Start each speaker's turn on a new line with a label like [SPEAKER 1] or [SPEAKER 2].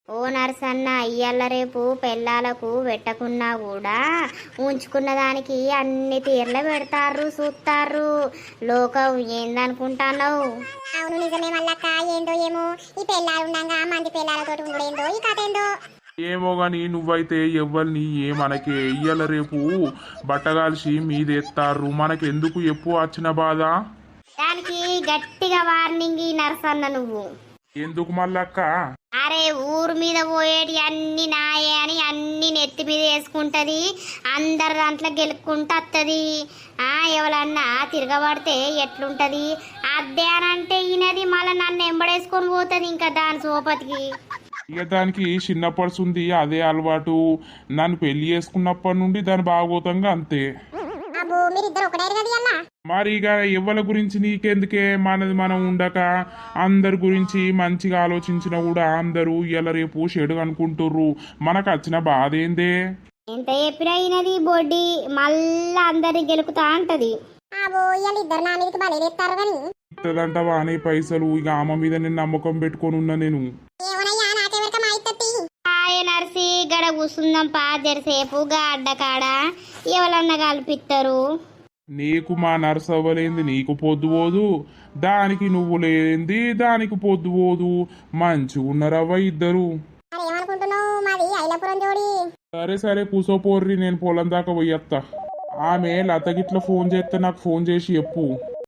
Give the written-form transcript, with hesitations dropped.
[SPEAKER 1] ఓ నర్సన్న ఇయ్యాల రేపు పెళ్ళాలకు పెట్టకున్నా కూడా ఉంచుకున్న దానికి అన్ని తీర్ల పెడతారు చూస్తారు. లోకం ఏందనుకుంటానవు?
[SPEAKER 2] అవును నిజమే మల్లక్క. ఏందో ఏమో ఈ పెళ్ళాలు ఉండగా మంది పెళ్ళాలతోటి ఉండడేందో ఈ కథ ఏందో.
[SPEAKER 3] ఏమో గాని నువ్వైతే ఎవ్వరిని ఏమనకే. ఇయ్యాల రేపు బట్టగాల్సి మీదెత్తారు. మనకెందుకు ఎప్పు వచ్చిన బాధ?
[SPEAKER 1] దానికి గట్టిగా వార్నింగ్ ఈ నర్సన్న నువ్వు.
[SPEAKER 3] ఎందుకు మల్లక్క?
[SPEAKER 1] అరే ఊరు మీద పోయేటి అన్ని నాయే అని అన్ని నెత్తి మీద వేసుకుంటది. అందరు దాంట్లో గెలుక్కుంటూ వస్తుంది. ఎవరన్నా తిరగబడితే ఎట్లుంటది? అద్దే అని అంటే ఈయనది మళ్ళీ నన్ను ఎంబడేసుకొని పోతుంది ఇంకా దాని సోపతికి.
[SPEAKER 3] ఇక దానికి చిన్నప్పటి అదే అలవాటు. నన్ను పెళ్లి చేసుకున్నప్పటి నుండి దాని బాగోతంగా అంతే.
[SPEAKER 2] అబ్బో మీరిద్దరు ఒకటే కదా అన్న.
[SPEAKER 3] మరి ఇక ఎవ్వల గురించి నీకెందుకే? మనది మనం ఉండక అందరి గురించి మంచిగా ఆలోచించినా కూడా అందరూ ఇవాళ రేపు చెడు అనుకుంటుర్రు. మనకు వచ్చిన బాధ ఏందే?
[SPEAKER 1] ఎంత చెప్పినా ఈయనది బొడ్డి మళ్ళా అందరిని గెలుకుతా అంటది.
[SPEAKER 2] అబ్బో ఇవాళ ఇద్దరు నా మీదకి బలేస్తారు కానీ
[SPEAKER 3] ఇస్తుందంటవా అనే పైసలు? ఇక ఆమె మీద నేను నమ్మకం పెట్టుకొని ఉన్నా నేను.
[SPEAKER 2] ఏమనయ్యా నాకెవరిక మా ఇత్తత్తి.
[SPEAKER 1] హాయ్ నర్సి గడ కూసుందాం పా జరసేపు గా అడ్డకాడ ఎవరన్నా కల్పిస్తారు.
[SPEAKER 3] నీకు మా నర్స్ అవ్వలేంది నీకు పొద్దు పోదు, దానికి నువ్వు లేంది దానికి పొద్దు పోదు. మంచిగా ఉన్నారవ్వ ఇద్దరు.
[SPEAKER 2] మరి ఏమనుకుంటున్నావు? మాది ఐలాపురం జోడి.
[SPEAKER 3] సరే సరే కూసోపోర్రి, నేను పొలం దాకా పోయత్తా. ఆమె లతగిట్ల ఫోన్ చేస్తే నాకు ఫోన్ చేసి చెప్పు.